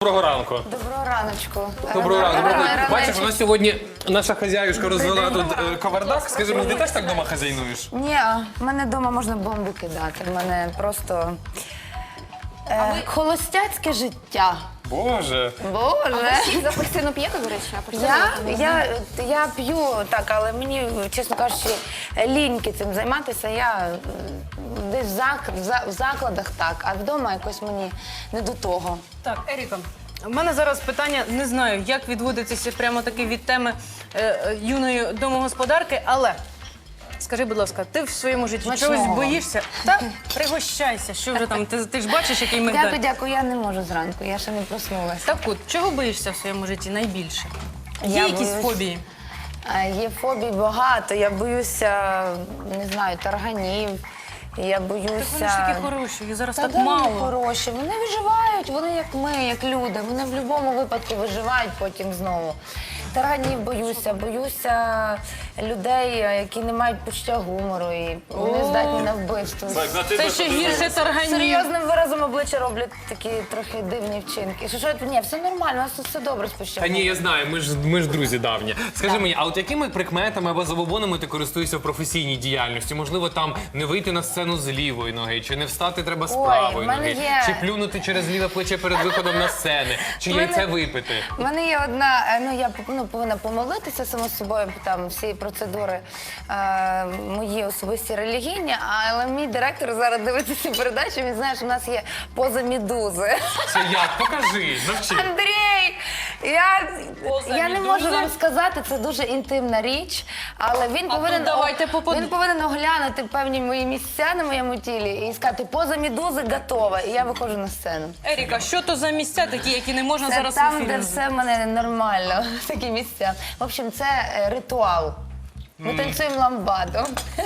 Доброго ранку. Доброго раночку. Доброго ранку. Раночку. Бачиш, у нас сьогодні наша хазяюшка розвела тут кавардак. Скажи мені, ти теж так вдома хазяйнуєш? Ні, в мене вдома можна бомби кидати. В мене просто холостяцьке життя. Боже. Боже. Сік з апельсину п'єте, до речі? Я п'ю так, але мені, чесно кажучи, ліньки цим займатися. Я десь в закладах так, а вдома якось мені не до того. Так, Еріка, у мене зараз питання, не знаю, як відводитися прямо таки від теми юної домогосподарки, але скажи, будь ласка, ти в своєму житті Смачного. чогось боїшся? Та пригощайся, що вже там, ти ж бачиш, який мигдаль. Дякую, я не можу зранку, я ще не проснулася. Так от, чого боїшся в своєму житті найбільше? Є Я якісь боюсь- фобії? Є фобій багато. Я боюся, не знаю, тарганів. Я боюся... Так вони ж такі хороші, їх зараз Та так де вони мало. хороші. Вони виживають, вони як ми, як люди. Вони в будь-якому випадку виживають потім знову. Тарганів боюся людей, які не мають почуття гумору і вони здатні на вбивство. Це ще гірше тарганів. Серйозним виразом обличчя роблять такі трохи дивні вчинки. Ні, все нормально, у нас тут все добре з почуттям Та ні, гумору. я знаю, ми ж друзі давні. Скажи мені, а от якими прикметами або забобонами ти користуєшся в професійній діяльності? Можливо, там не вийти на сцену з лівої ноги, чи не встати треба з Ой, правої в мене ноги, є- чи плюнути через ліве плече перед виходом на сцени, чи яйце випити? У мене є одна, я повинна помолитися само собою, там всі процедури мої особисті релігійні, але мій директор зараз дивиться цю передачу, він знає, що в нас є поза медузи. Це як? Покажи, навчи. Андрій! Поза Я не можу медузи? вам сказати, це дуже інтимна річ, але він повинен, давайте він повинен оглянути певні мої місця на моєму тілі і сказати, поза медузи готова, і я виходжу на сцену. Еріка, що то за місця такі, які не можна Це зараз в там, ефірі де назвати? все в мене нормально, такі місця. В общем, це ритуал. Ми танцюємо ламбаду.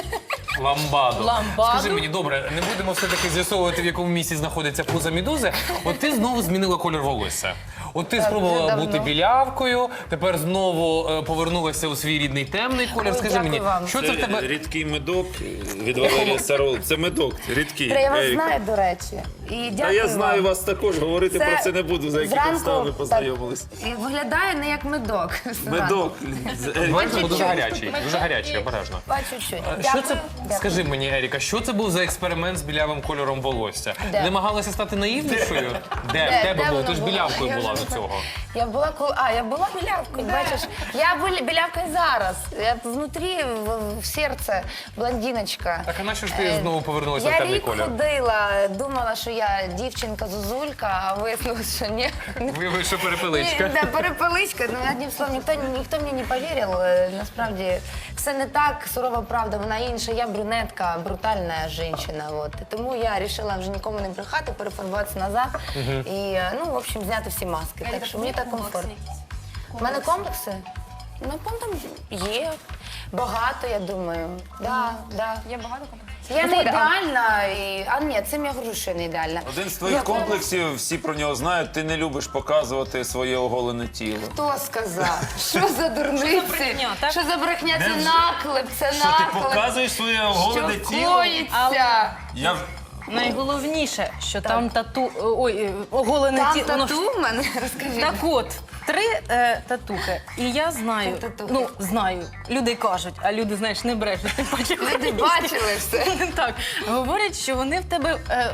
Ламбаду. Ламбаду? Скажи мені, добре, не будемо все-таки з'ясовувати, в якому місці знаходиться поза медузи. От ти знову змінила колір волосся. От ти Так, спробувала вже давно. бути білявкою, тепер знову повернулася у свій рідний темний колір. Ой, Скажи дякую мені, вам. що це в тебе? Рідкий медок від Валерія Сарол. Це медок, рідкий. Я вас Еріка. знаю, до речі. І Та дякую я знаю вам. вас також, говорити про це не буду, за які зранку підстави ви так, познайомились. і виглядає не як медок. Медок. Бачимо, дуже чуть-чуть. гарячий, дуже гарячий, обережно. По чуть-чуть. Що це, Дякую. скажи мені, Еріка, що це був за експеримент з білявим кольором волосся? Де? Намагалася стати наївнішою? Де? В тебе було? воно Ти ж було? білявкою Я була вже до не цього. Я була я була білявкою, бачиш. Я білявка і зараз. Я внутрі, в серце, блондиночка. Так, а на що ж ти знову повернулася в Я темний рік колір? ходила, думала, що я дівчинка-зозулька, а вияснилось, що ні. Виявилося, що перепеличка. Да, перепеличка. Ну, одним словом, ніхто мені не повірив. Насправді, все не так, сурова правда, вона інша. Я брюнетка, брутальна жінка. Вот. І тому я вирішила вже нікому не брехати, перефарбуватися назад і, в общем, зняти всі маски. Так що мені так комфортно. У мене комплекси? Ну, там є. Багато, я думаю. Да. Є багато комплексів. Я не ідеальна, ні, цим я говорю, що я не ідеальна. Один з твоїх комплексів, всі про нього знають, ти не любиш показувати своє оголене тіло. Хто сказав? Що за дурниці? брехня, так? Що за брехня? Це Де вже? наклеп, це Що ти наклеп. показуєш своє оголене Що тіло? коїться? Я Найголовніше, що там оголене Там тіло. воно ж- тату в мене? Розкажіть. Так от, 3 татухи. І я знаю, Три татухи. знаю, люди кажуть, а люди, знаєш, не брешуть. Тим паче Люди бачили все. Так, говорять, що вони в тебе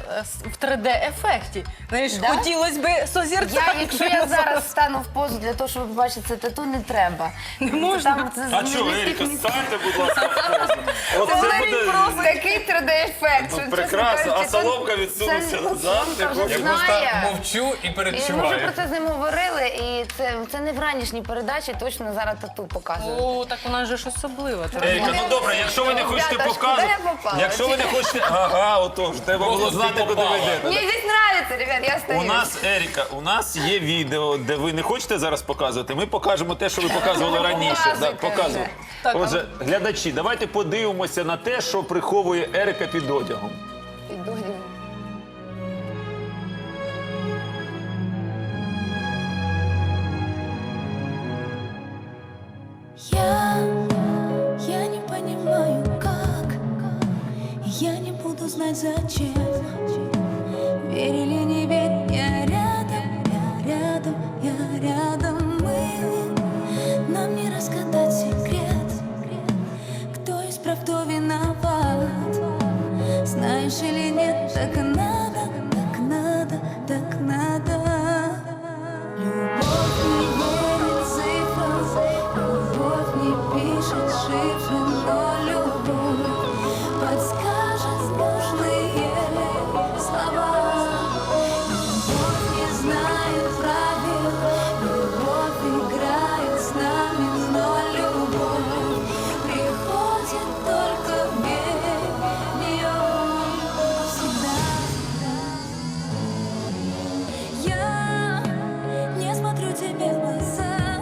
в 3D-ефекті. Знаєш, Да? хотілося б созерцати. Якщо я зараз стану в позу для того, щоб ви побачити це тату, не треба. Не можна? А що, Еріка, станьте, будь ласка, в позу. От це буде Просто такий 3D-ефект. ну, прекрасно, а соломка відсунувся назад. Соломка вже Я просто знає. мовчу і І ми вже передчуваю. про це з ним говорили, і це не в ранішній передачі, точно зараз тату показують. О, так вона ж особлива. ти Еріка, ну добре, якщо ви не хочете Ребята, ж показувати, куди я попала? якщо ви не хочете, ага, отож, треба було Просто знати, ти куди ви попала. йдете. Мені здесь нравится, ребят, я стою. У нас, Еріка, у нас є відео, де ви не хочете зараз показувати. Ми покажемо те, що ви показували раніше. Показуйте Да, показуємо. вже. Так, Отже, глядачі, давайте подивимося на те, що приховує Еріка під одягом. Іду. Я не понимаю, как. Я не буду знать, зачем. Верь или не верь, я рядом, я рядом, мы. Нам не разгадать секрет, кто из прав, кто виноват. Знаешь или нет, так надо, так надо, так надо. Любовь не верит цифрам, любовь не пишет шифры, но любовь подскажет нужные слова. Любовь не знает правил, любовь играет с нами, но любовь приходит только в нее всегда. Я не смотрю тебе в глаза,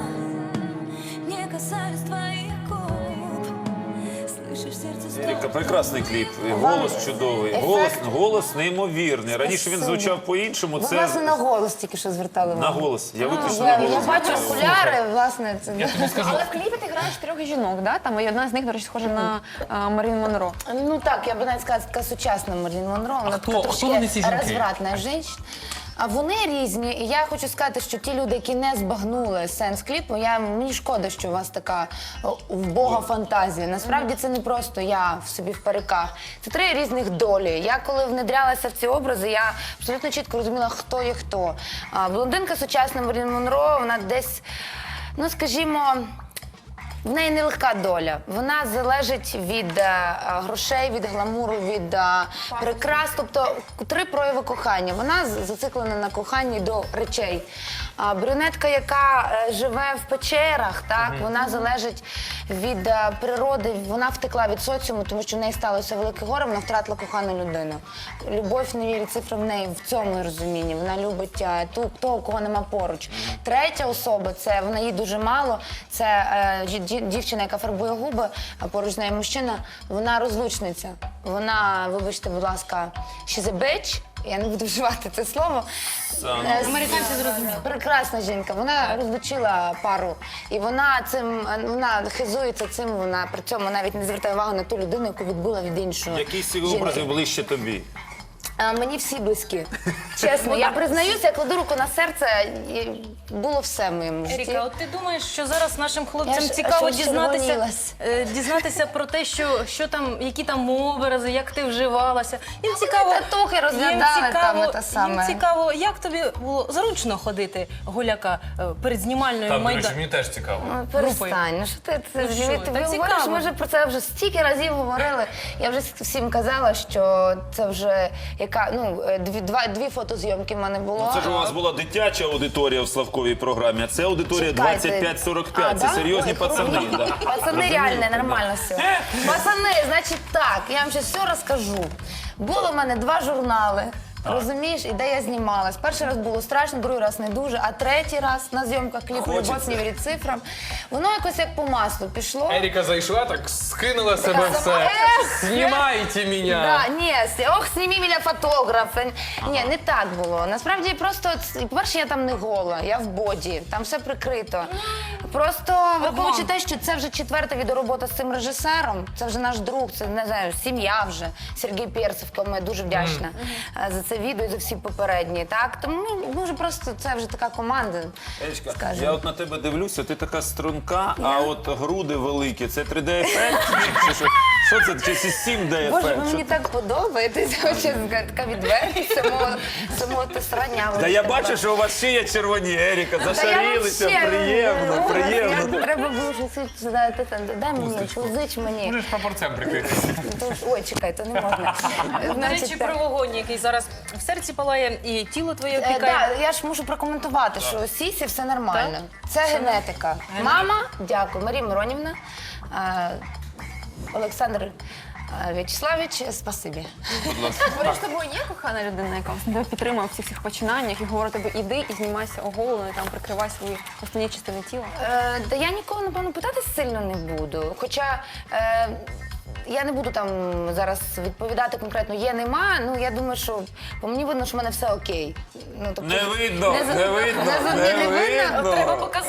не касаюсь твоих губ. Слышишь сердце стук? Еріка, прекрасний кліп. І голос чудовий. Голос неймовірний. Раніше він звучав по-іншому. Ви, Це власне, на голос тільки що звертали на увагу. голос. Я виключно Я на голос. бачу окуляри, власне, це... Але в кліпі ти граєш 3 жінок, да? Там і одна з них, до речі, схожа на Марін Монро. Ну так, я б навіть сказала, така сучасна Мерлін Монро. Вона хто- така хто трошки вони, ці жінки? розвратна жінка. А вони різні. І я хочу сказати, що ті люди, які не збагнули сенс кліпу, мені шкода, що у вас така вбога фантазія. Насправді це не просто я в собі в париках. Це 3 різних долі. Я коли внедрялася в ці образи, я абсолютно чітко розуміла, хто є хто. Блондинка сучасна Мерлін Монро, вона десь, ну скажімо, в неї нелегка доля. Вона залежить від грошей, від гламуру, від прикрас. Тобто 3 прояви кохання. Вона зациклена на коханні до речей. Брюнетка, яка живе в печерах, так, вона залежить від природи. Вона втекла від соціуму, тому що в неї сталося велике горе, вона втратила кохану людину. Любов не вірить цифри в неї в цьому розумінні. Вона любить того, кого нема поруч. Третя особа, це вона їй дуже мало, це дівчина, яка фарбує губи, а поруч з нею мужчина, вона розлучниця. Вона, вибачте, будь ласка, she's a bitch. Я не буду вживати це слово. Американці зрозуміли. Прекрасна жінка. Вона розлучила пару. І вона хизується цим, вона при цьому навіть не звертає увагу на ту людину, яку відбула від іншого. Які з цих образів ближче тобі? Мені всі близькі. Чесно, я признаюся, я кладу руку на серце, і було все в моєму житті. Еріка, от ти думаєш, що зараз нашим хлопцям Я ж цікаво аж червонілась. дізнатися про те, що там, які там образи, як ти вживалася. Їм цікаво, татухи розглядали там те саме. їм цікаво, як тобі було зручно ходити гуляка перед знімальною Так, до речі, майданом. мені теж цікаво. Перестань, ну що ти Ну що, ти так говориш, цікаво. ми вже про це вже стільки разів говорили. Я вже всім казала, що це вже дві фотозйомки в мене було. Це ж у вас була дитяча аудиторія в Славковій програмі, а це аудиторія Чекайте. 25-45. Це да? серйозні Ой, пацани. Да. Пацани реально, нормально все. Пацани, значить так, я вам зараз все розкажу. Було в мене 2 журнали. Розумієш, і де я знімалась. Перший раз було страшно, другий раз не дуже, а третій раз на зйомках кліпу «Любов не вірить цифрам». Воно якось як по маслу пішло. Еріка зайшла, так скинула себе все. Знімайте мене. Да, ні, ох, сніми мене фотограф. Ні, не так було. Насправді просто, по-перше, я там не гола, я в боді, там все прикрито. Просто враховуючи те, що це вже 4-та відеоробота з цим режисером, це вже наш друг, це, не знаю, сім'я вже, Сергій Перцев, кому я дуже вдячна за це відео і за всі попередні, так? Тому, може, просто це вже така команда, Ерічка, скажімо. я от на тебе дивлюся, ти така струнка, а от груди великі. Це 3D-ефект? Чи що це? Чи це 7D-ефект? Боже, ви мені так подобаєтеся, чесно, така відвертість самого тисрання. Та я бачу, що у вас ще є червоні, Еріка, Та я зашарілися, вообще, приємно, ужас, приємно. Треба було щось, дай мені, позич мені. Можеш прапорцем прикритися. Ой, чекай, то не можна. До речі, про вогонь, який зараз в серці палає, і тіло твоє опікає. Так, я ж можу прокоментувати, що у Сісі все нормально. Це генетика. Мама, дякую, Марія Миронівна, Олександр В'ячеславович, спасибі. Поруч з тобою є кохана людина, яка тебе підтримує в всіх цих починаннях і говорить тобі, іди і знімайся оголеною, там прикривай свої основні частини тіла. Та я нікого, напевно, питати сильно не буду. Хоча я не буду там зараз відповідати конкретно є, нема. Ну, я думаю, що по мені видно, що в мене все окей. Ну, тобто, Не видно, не не видно, не не видно. видно. Треба показати.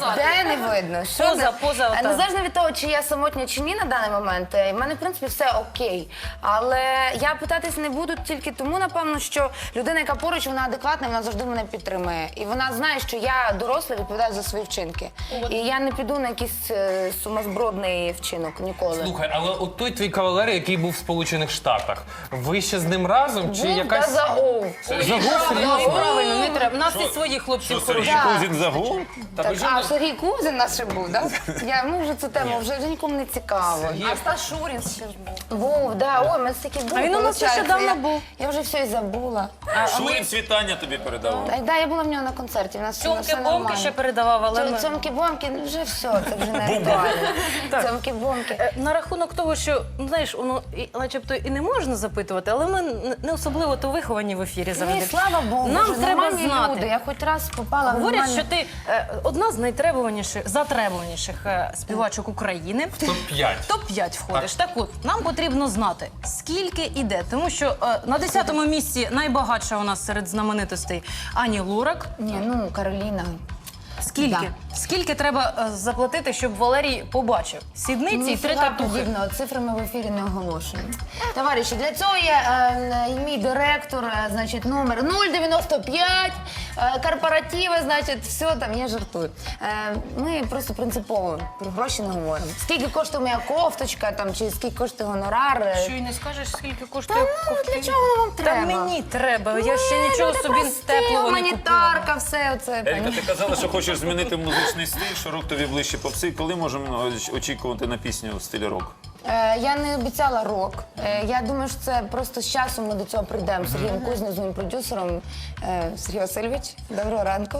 Де не видно? Що Поза, отак. незалежно від того, чи я самотня чи ні на даний момент, в мене, в принципі, все окей. Але я питатись не буду тільки тому, напевно, що людина, яка поруч, вона адекватна, вона завжди мене підтримує. І вона знає, що я доросла, відповідаю за свої вчинки. І я не піду на якийсь сумасбродний вчинок ніколи. Слухай, але от той твій кавалер, який був в Сполучених Штатах, ви ще з ним разом? Чи Був якась... та загув. Ні, правильно, не треба. У нас і своїх хлопців Сергій хороших. Кузін загув? Так, Сергій Кузин наш ще був, так? Ми вже цю тему вже нікому не цікаво. А Стас Шурін ще ж був. Був, да. Ой, ми стільки були. А він у нас виходить, нещодавно був. Я вже все і забула. Шурін світання тобі передавав. Да, я була в нього на концерті. У нас все Цьомки-бомки нормально. ще передавав, але ми... Цьомки-бомки, ну вже все, це вже не актуально. Цьомки-бомки. На рахунок того, що, ну, знаєш, воно начебто і не можна запитувати, але ми не особливо то виховані в ефірі Ну завжди. і слава Богу, Нам вже треба нормальні знати. люди. Я хоч раз попала в Говорять, нормальні... що ти одна з затребуваніших співачок України. Топ-5. Топ-5 входиш. Так от, нам потрібно знати, скільки іде. Тому що на 10-му місці найбагатша у нас серед знаменитостей Ані Лорак. Ні, ну, Кароліна. Скільки? Да. Скільки треба заплатити, щоб Валерій побачив? Сідниці і 3 Ніфіга татухи. подібного, цифрами в ефірі не оголошуємо. Товариші, для цього є мій директор, значить, номер 095, корпоративи, значить, все там, я жартую. Ми просто принципово про гроші не говоримо. Скільки коштує моя кофточка, там, чи скільки коштує гонорар. Що й не скажеш, скільки коштує Ну, кофти? для чого воно вам треба? Та мені треба, я ще нічого Люди собі прості, теплого не купила. гуманітарка, все оце. Еріка, ти казала, що хочеш змінити музичний стиль, що рок тобі ближче попси. Коли можемо очікувати на пісню в стилі рок? Я не обіцяла рок. Я думаю, що це просто з часом ми до цього прийдемо. З Сергієм Кузнєм, з моїм продюсером Сергій Васильович. Доброго ранку.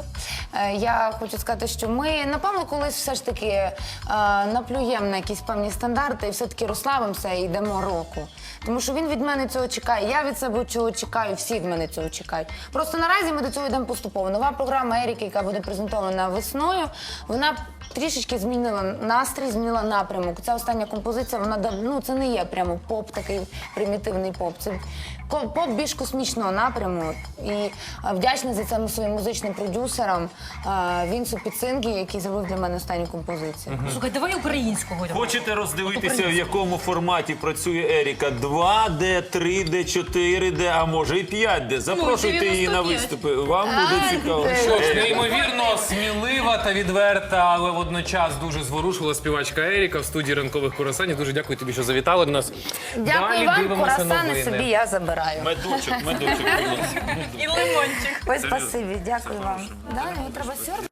Я хочу сказати, що ми, напевно, колись все ж таки наплюємо на якісь певні стандарти і все-таки розслабимося і йдемо року. Тому що він від мене цього чекає, я від себе цього чекаю, всі від мене цього чекають. Просто наразі ми до цього йдемо поступово. Нова програма Еріки, яка буде презентована весною, вона трішечки змінила настрій, змінила напрямок. Ця остання композиція, вона це не є прямо поп, такий примітивний поп. Це поп більш космічного напряму. І вдячна за це своїм музичним продюсерам Вінсу Піцингі, який зробив для мене останню композицію. Слухай, давай українського. Хочете роздивитися, в якому форматі працює Еріка? 2D, 3D, 4D, а може і 5D. Запрошуйте її на 95. виступи. Вам буде цікаво. Що ж, неймовірно смілива та відверта, але водночас дуже зворушлива співачка Еріка в студії ранкових курасанів. Дуже дякую тобі, що завітали до нас. Дякую Далі вам, дивимося курасани новини. собі я забираю. Медочок, будь ласка. І лимончик. Ой, спасибі, дякую вам. Да, його треба сьорбати.